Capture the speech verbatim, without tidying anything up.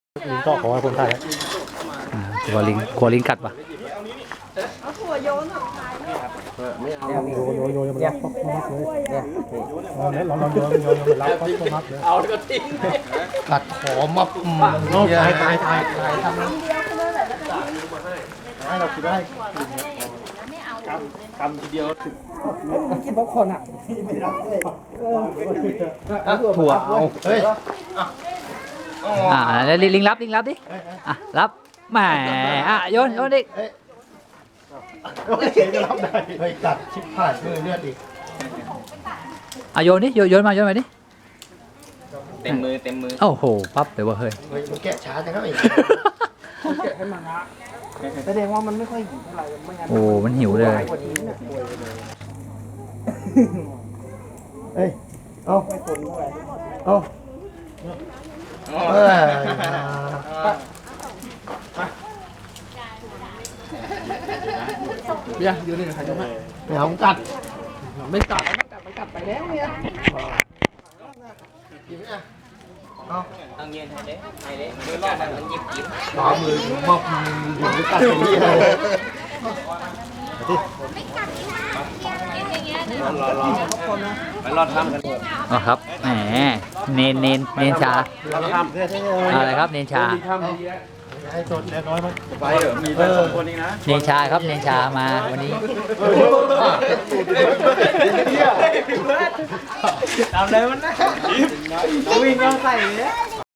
ลิงก็ขอให้คนไทยกลัวลิงกลัวลิงกัดปะเอาถั่วโยนของขายเนี่ยไม่เอาโยนโยนโยนมันรับป๊อกมักเลยเนี่ยลองลองโยนโยนมันรับป๊อกมักเลยเอาก็ทิ้งกัดขอมาตายตายตายตายทำคำเดียวก็เลยแหละแล้วก็ทิ้งให้เราคิดได้ไม่เอากำทีเดียวถึงกินป๊อปคอร์นอ่ะไม่รับเลยถั่วเอาเฮ้ยอ่าแล้วลิงรับลิงรับดิอ่ะรับแหมอ่ะโยนโยนดิโอเคจะรับได้เฮ้ยกัดชิบหายมือเลือดอีกอ่ะโยนดิโยนโยนมาโยนมาดิเต็มมือเต็มมือโอ้โหปั๊บเดี๋ยวว่าเฮ้ยเฮ้ยมันแกะช้าจังครับอีกแกะให้มันนะแสดงว่ามันไม่ค่อยหิวเท่าไหร่ไม่งั้นโอ้มันหิวเลยกว่านี้เนี่ยเฮ้ยเอาไม่ทนเท่าไหร่เอาเฮ้ยเบียร์ยืนนี่ใครจะไม่ไม่เอากัดไม่กัดมันกัดมันกัดไปแล้วเนี่ยกินไหมอ่ะเอาต้องยืนให้เด้ให้เด้มือรอบมันมันยิบยิบขวามือบอกมือมือกัดอย่างนี้เลยรอรอไปรอดทำกันอ๋อครับแหมเนนเนนเนนชาเราทำเพื่อที่อะไรครับเนนชาให้สดแน่น้อยมันไปเหรอมีแต่สองคนนี้นะเนนชาครับเนนชามาวันนี้ทำอะไรมันนะวิ่งเราใส่เนี่ย